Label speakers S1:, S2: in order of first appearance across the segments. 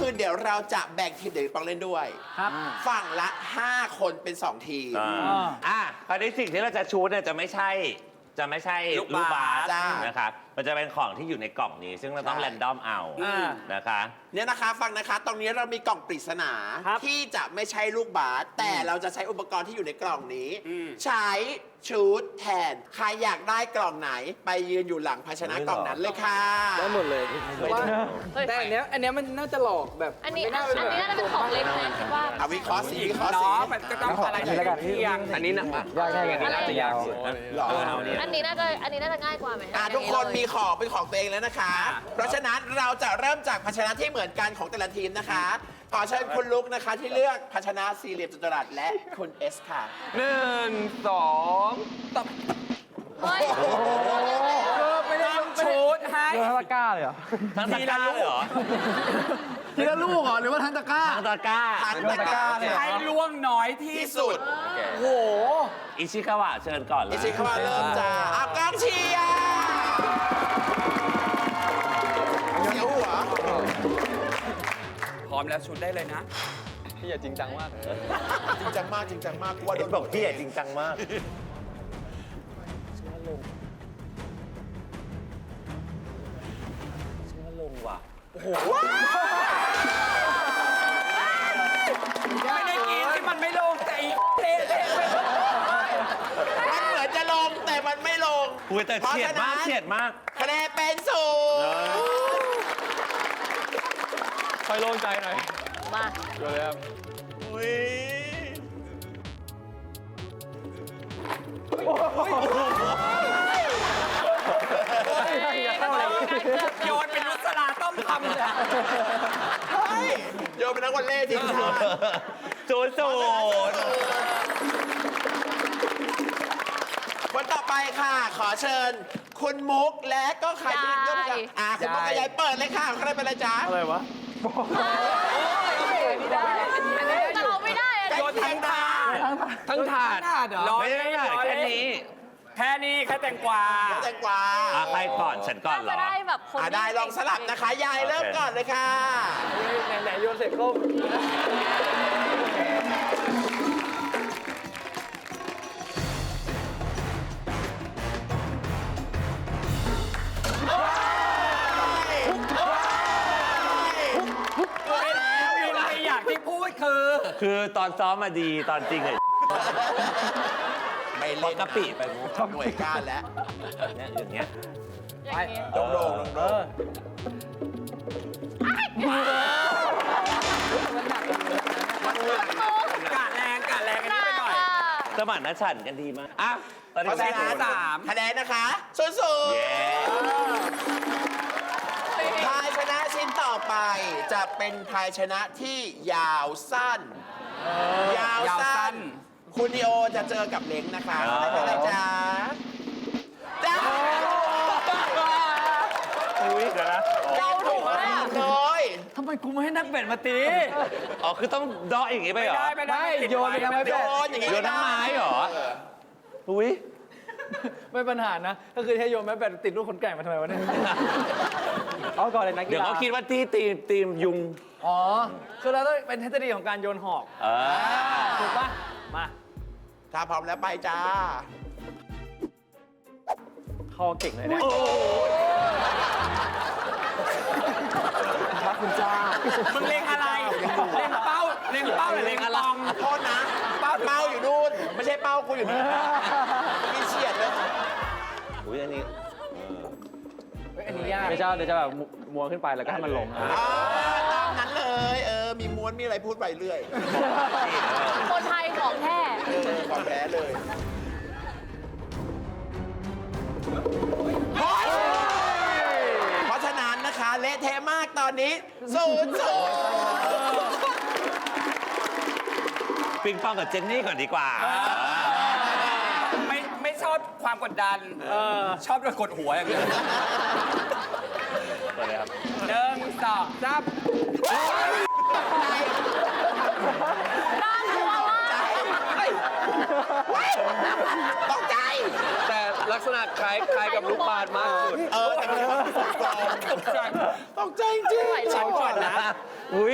S1: คือเดี๋ยวเราจะแบ่งทีมเดี๋ยวปองเล่นด้วย
S2: ครับ
S1: ฝั่งละ 5 คนเป็น 2 ทีม
S3: คราวนี้สิ่งที่เราจะชูดเนี่ยจะไม่ใช่ลูกบาส
S1: จ้า
S3: นะครับมันจะเป็นของที่อยู่ในกล่องนี้ ซึ่งเราต้อง
S1: ใช่
S3: แรนดอมเอานะคะ
S1: เนี่ยนะคะฟังนะคะ ตรงนี้เรามีกล่องปริศนา
S2: ครับ
S1: ที่จะไม่ใช่ลูกบาสแต่เราจะใช้อุปกรณ์ที่อยู่ในกล่องนี้ ใช้ชุดแทนใครอยากได้กล่องไหนไปยืนอยู่หลังภาชนะกล่องนั้นเลยค่ะ
S4: ได้หมดเลยว่าแต่อันเนี้ยมันน่าจะหลอกแบบ
S5: อันนี้
S4: ไม่
S5: อันนี้น่าจะเป็นของเล็กนะคิดว่า
S1: เอาวิเคราะห์สิวิเคราะห์สิ
S4: มันก็ต้องอะไรเที่ยงอันนี้นะ
S2: ยากแค่ไหน
S5: อะไร
S2: น่าจะยาวสุด
S1: หรอ
S5: อันนี้น่าจะง่ายกว่าไหม
S1: ทุกคนมีของเป็นของตัวเองแล้วนะคะ เพราะฉะนั้นเราจะเริ่มจากภาชนะที่เหมือนกันของแต่ละทีมนะคะ ขอเชิญคุณลุกนะคะที่เลือกภาชนะสี่เหลี่ยมจัตุรัสและคุณเอสค่ะ
S4: 1 2ตับ
S5: เฮ้ย
S4: ไม่ได้ชุดให้
S2: โดนทั้งตะกร้าเลยเหรอ
S3: ทั้งตะกร้าเลยเหรอ
S2: ทีละลูกเหรอหรือว่าทั้งตะกร้า
S3: ทั้งตะกร้า
S1: ทั้งตะกร้าเลย
S4: ให้ล่วงน้อยที่
S1: ที่
S4: สุ
S1: สุ
S4: ด
S1: ด
S4: โอ้โห
S3: อิชิคาวะเชิญก่อนเลย
S1: อิชิคาวะเริ่มจ้าเอากองเชียร์เสียวหัว
S4: พร้อมแล้วชุดได้เลยนะ
S2: พี่อย่าจริงจังมาก
S1: จริงจังมากจริงจังมากกลัวโด
S3: เห็
S1: น
S3: นบอกพี่จริงจังมาก ลงว่ะ
S4: ไม่ได้กินที่มันไม่ลงแต่อีเละเละ
S1: มันเหมือนจะลงแต่มันไม่ลง
S3: อุ้ยแต่เฉียดมากเฉียดมาก
S1: คะแนนเป็นศูนย์
S2: ค่อยโล่งใจหน่อย
S5: มา
S2: ดูเลยครับ
S1: อุ้ย
S4: โยนเป็นนุสลาต้มทำเลย
S1: เฮ้ยโยนเป็นนักวอลเลย์ทีมชาติ
S3: 0-0
S1: คนต่อไปค่ะ ขอเชิญ คุณมุกและก็ใครที่ยกมือคุณมุกกับยายเปิดเลยค่ะใครเป็นอะไรจ๊ะ
S2: อะไรวะ
S5: แต่เราไม่ได้อะ
S1: โยนทั้งทาง
S4: ทั้งถาดเหรอ
S3: ไม่ได้แค่นี้
S4: แค่นี้แค่แตงกวา
S1: แตงกวา
S3: ใครก่อนฉันก่อนเหร
S5: จะ
S3: อ
S5: ได้แบบคน
S1: ได้ลองสลับนะคะ ยายเริ่มก่อนเลยค่ะ
S2: ไหนโยนเสร็จก็
S4: ไม่อยากที่พูดคือ
S3: คือตอนซ้อมมาดีตอนจริงเลย
S1: ไม่
S3: พอ
S1: เล่น
S3: กะปิไปมุก
S1: หน่วยก้านแล้ว
S3: เนี่ยอย่างเงี้ย
S5: อย่างนี้
S1: โด่งโด่งโด่ง
S4: กะแรงอันนี้ไปหน่อย
S3: สมานนัฉันท์กันดีมากอ่ะตอน
S1: เพ
S3: นี้
S1: ราะฉะนั้น
S4: สาม
S1: คะแนนนะคะสู้
S3: เย้
S1: ๆภายชนะชิ้นต่อไปจะเป็นภายชนะที่ยาวสั้น ยาวสั้น คุณนิโอจะเจอกับเล้งนะคะไม่เป็นไรจ้าจ้า
S3: อุ้ยเดี๋ยวนะ
S1: เจ้าถูกเลย
S2: ทำไมกูไม่ให้นักเบ็ดมาตี
S3: อ๋อคือต้องเดาะอย่างงี้ไปเหรอ
S4: ไม่ได้
S2: โยนไปทำไม
S1: โยนอย่างนี้
S3: โยนทั้งไม้เหรอ อุ้ย
S2: ไม่ปัญหานะ ก็คือถ้าโยนแม่แบดติดลูกคนแก่มาทำไมวะเนี่ย เอาก่อนเลยนักกีฬา
S3: เดี๋ยวเขาคิดว่าที่ทีมยุง
S2: อ๋อ คือเราต้องเป็นทฤษฎีของการโยนหอก ถูกปะมา
S1: ถ้าพร้อมแล้วไปจ้า
S2: เข้าเก่งเลยเนี่ยพระคุณเจ้า
S4: มึงเล็งอะไร เล็งเป้าหรือเล็งปอง
S1: โทษนะ เป้าอยู่นู่น ไม่ใช่เป้ากูอยู่นี่มีเฉียดเลย
S3: อุ้ยอันนี้
S2: อันนี้ยากไม่ใช่เดี๋ยวจะแบบมัวขึ้นไปแล้วก็ให้มันลง
S1: ตามนั้นเลย มีม้วนมีอะไรพูดไปเรื่อย
S5: คนไทยของแท้
S1: ความแพ้เลย เพราะฉะนั้นนะคะเละเทะมากตอนนี้0-0
S3: ปิงปองกับเจนนี่ก่อนดีกว่า
S4: ไม่ชอบความกดดัน ชอบโดนกดหัวอย่างเดียว
S3: ก่อนเลยครับ
S4: 1 2 3
S5: น่ากลัวมาก
S1: ตกใจ
S4: แต่ลักษณะคล้ายกับลูกบาศก์มากสุด
S1: ตกใจจริง
S5: ไม่ไหว
S4: ฉันก่อนนะ
S3: อุ้ย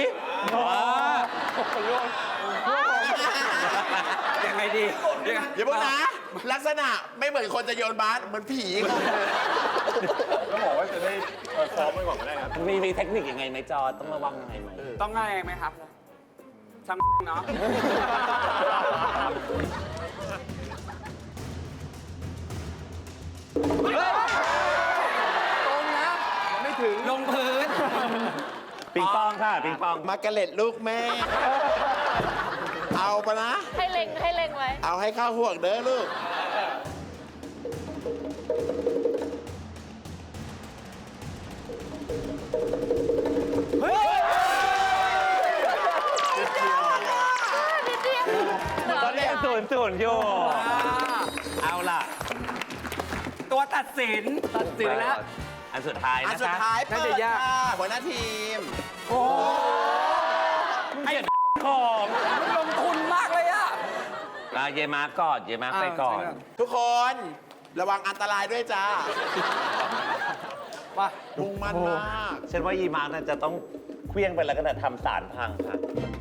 S4: ยังไงดียังไง
S1: อย่าเพิ่งนะ ลักษณะไม่เหมือนคนจะโยนบาสเหมือนผีครับ
S6: ก็บอกว่าจะได้ซ้อมไว้ก่อนก็ได้ครับ
S3: มีเทคนิคยังไงไหมจอต้องระวังยังไงไหม
S4: ต้องอะไรไหมครับช่างเนาะ
S2: ตรงนะไม่ถึง
S4: ลงพื้น
S3: ปิงปองค่ะปิงปอง
S1: มาร์กาเร็ตลูกแม่ เอาปะนะ
S5: ให้เล็งไว้
S1: เอาให้เข้าห่วงเด้อลูก
S5: นิดเดียว
S3: ตอนนี้0-0อยู่ เอาล่ะ
S4: ตัวตัดสิน
S2: ตัดสินแล้ว
S3: อันสุดท้าย
S1: อัน
S3: นะ
S1: สุด
S3: คะ
S1: ท้ายเปิ
S2: น่า
S1: ด
S2: จะยาก
S1: ค่ะหัวหน้าทีม
S3: ไอ้ของ
S4: ลงทุนมากเลยอะ
S3: เยมาก่อนเยมาไปก่อน
S1: ทุกคนระวังอันตรายด้วยจ้า
S2: มา
S1: มุ่งมั่นมาก
S3: ฉันว่ายีมาร์กน่าจะต้องเคลี้ยงไปแล้วก็ทำสารพังค่ะ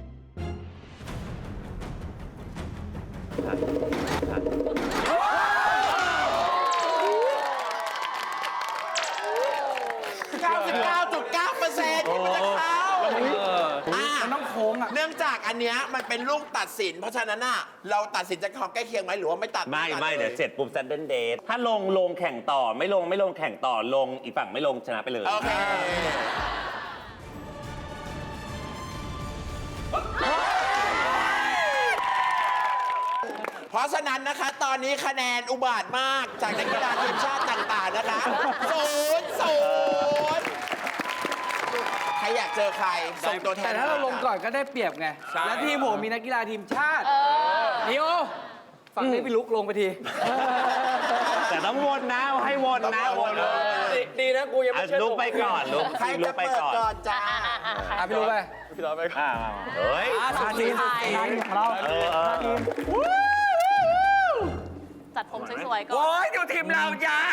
S1: 99.9%ที่มันจะเข้าอ่ะ
S4: มันต้องโค้งอะ
S1: เนื่องจากอันเนี้ยมันเป็นลูกตัดสิน เพราะฉะนั้นน่ะเราตัดสินจากความใกล้เคียงไหมหรือว่าไม่ตัด
S3: ไม่
S1: ตั
S3: เดี๋ยวเสร็จปุ๊บซันเดนเดทถ้าลงแข่งต่อไม่ลงแข่งต่อลงอีกฝั่งไม่ลงชนะไปเลย
S1: โอเค เพราะฉะนั้นนะคะ ตอนนี้คะแนนอุบาทมากจากนักกีฬาทีมชาติต่างๆนะคะ0-0ใครอยากเจอใคร ส่งตัวแทน
S2: แต่ถ้าเราลงก่อนก็ได้เปรียบไง แล้วทีมผมมีนักกีฬาทีมชาตินิโอฝั่งนี้พี่ลุกลงไปที
S3: แต่ต้องวนนะให้วนนะวน
S2: ดีนะกูยังไม่เชื่อ
S3: ลุกไปก่อนลุก
S1: ใคร
S3: ลุ
S1: จะ
S3: กไป
S1: เปิด
S3: ก่อน
S1: ก่อนจ้า
S2: พี่ลุกไป
S3: เฮ้ย
S5: สุดท้าย
S3: เออ
S5: จัดผมสวยๆก่อน
S4: โอ้ยดูทีมเรายาย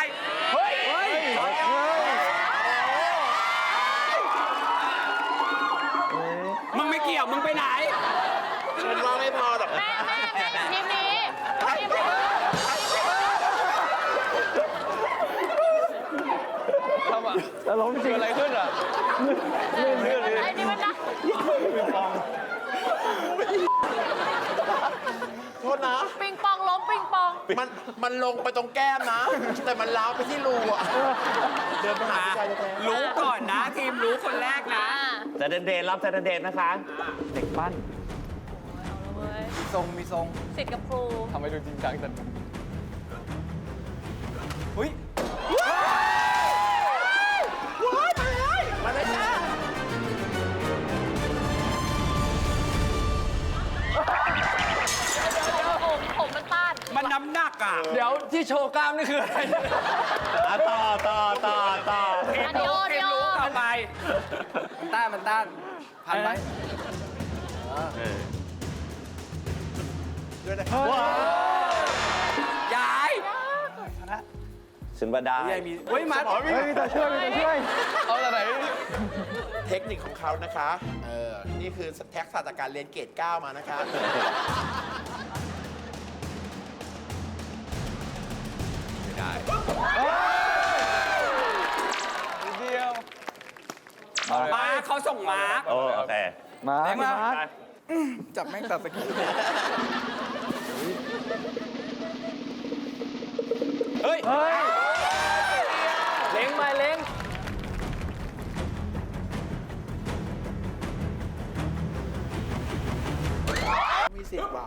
S4: มึงไม่เกี่ยว มึงไปไหน
S1: ฉันว่าไม่พอหรอก
S5: แม่ทีมนี้ทีมนี้
S2: แล้วล้มจริงอะไรขึ้นอ่ะ
S5: ไอ้นี่มันนะ
S1: โทษนะ
S5: ปิงปองล้มปิงปอง
S1: มันลงไปตรงแก้มนะ แต่มันล้าวไปที่รูอ่ะ เดินไปหาผู้ชายแท้ๆ
S4: รู้ก่อนนะ ทีมรู้คนแรกนะ
S3: ซันเดนเดทรอบซันเดนเดทนะคะ
S2: เด็กปั้น
S5: เอาละเว้ย
S2: มีทรงมีทรง
S5: สิทธิ์กับครู
S2: ทำให้ดูจริงจังจังอุ้ย
S1: มาเลยจ้า
S5: ผมมันต้าน
S4: มันน้ำหนักอ่ะ
S2: เดี๋ยวที่โชว์กล้ามนี่คืออะไร
S3: ต่อ
S5: อันนี้โอ
S4: ที
S5: เดี
S4: ม
S5: ยว
S4: รู้ต่อไป
S2: มันต้านพันไหม
S1: ด้วยนะครับ
S4: ยาย
S3: ฉันว่าได้
S2: ยายมีเฮ้ยมัดเฮ้ยมีตัวช่วยเอาแต่ไหน
S1: เทคนิคของเขานะคะ นี่คือแท็กษะจากการเรียนเกรด 9 มานะคะ
S2: เดียว
S4: มาเขาส่งมา
S3: โอเค
S2: มาจับแม่งตัดสกิลเฮ้ยเล้งมาเล้ง
S1: มีสิทธิ์ว่ะ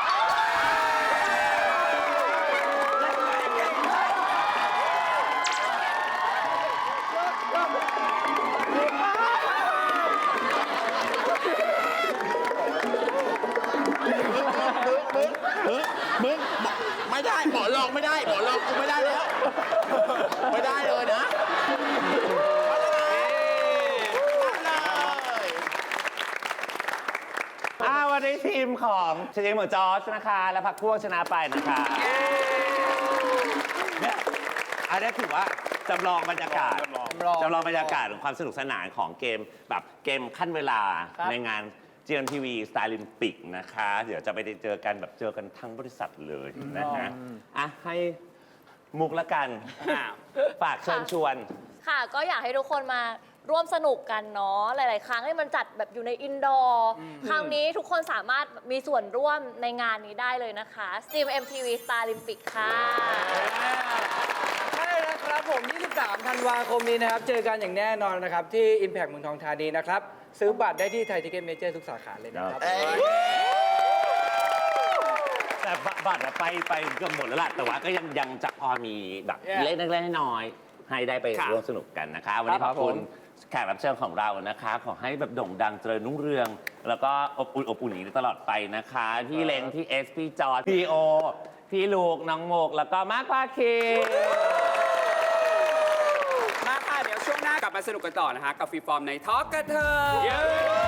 S1: มึงไม่ได้หมอลองไม่ได้หมอลองกูไม่ได้แล้ว ไม่ได้เลยนะมาเลย
S3: วันนี้ทีมของเชนเหมือนจอร์จนะคะ และพักพวกชนะไปนะคะเนี่ยอัอันนี้ถือว่าจำลองบรรยากาศ
S6: จำลอง
S3: จำลองบรรยากาศของความสนุกสนานของเกมแบบเกมขั้นเวลา
S2: ครับ
S3: ในงาน GMTV Starlympic นะคะ เดี๋ยวจะไปเจอกันแบบเจอกันทั้งบริษัทเลยนะฮะอ่ะให้มุกละกันฝากเชิญชวน
S5: ค่ะก็อยากให้ทุกคนมาร่วมสนุกกันเนาะหลาย ๆ ครั้งให้มันจัดแบบอยู่ในอินดอร์คราวนี้ทุกคนสามารถมีส่วนร่วมในงานนี้ได้เลยนะคะ Steam MTV Starlympic ค่ะ
S2: ใช่แล้วครับผม 23 ธันวาคมนี้นะครับ เจอกันอย่างแน่นอนนะครับ ที่ Impact เมืองทองธานีนะครับ ซื้อบัตรได้ที่ไทยทิเก็ตเมเจอร์ทุกสาขาเลยนะครับ
S3: แต่บัตรอะไปเกือบหมดแล้วล่ะ แต่ว่าก็ยังจะพอมีแบบ
S2: Yeah.
S3: เล็กๆน้อยๆให้ได้ไป
S4: ค่ะ
S3: ร่วมสนุกกันนะคะ วันนี้
S2: ค
S3: ข
S2: รั
S3: อ
S2: บบ
S3: คุณ
S2: ผม
S3: แขกรับเชิญของเรานะคะ ขอให้แบบโด่งดังเจริญรุ่งเรือง แล้วก็อบอุ่นอย่างนี้ตลอดไปนะคะ พี่เล้งพี่เอสพี่จอร์จพี่โอ พี่ลูกน้องโมก แล้วก็มาร์คพาคี
S4: มาค่ะ เดี๋ยวช่วงหน้ากลับมาสนุกกันต่อนะคะ กับฟรีฟอร์มในทอล์กกันเถอะ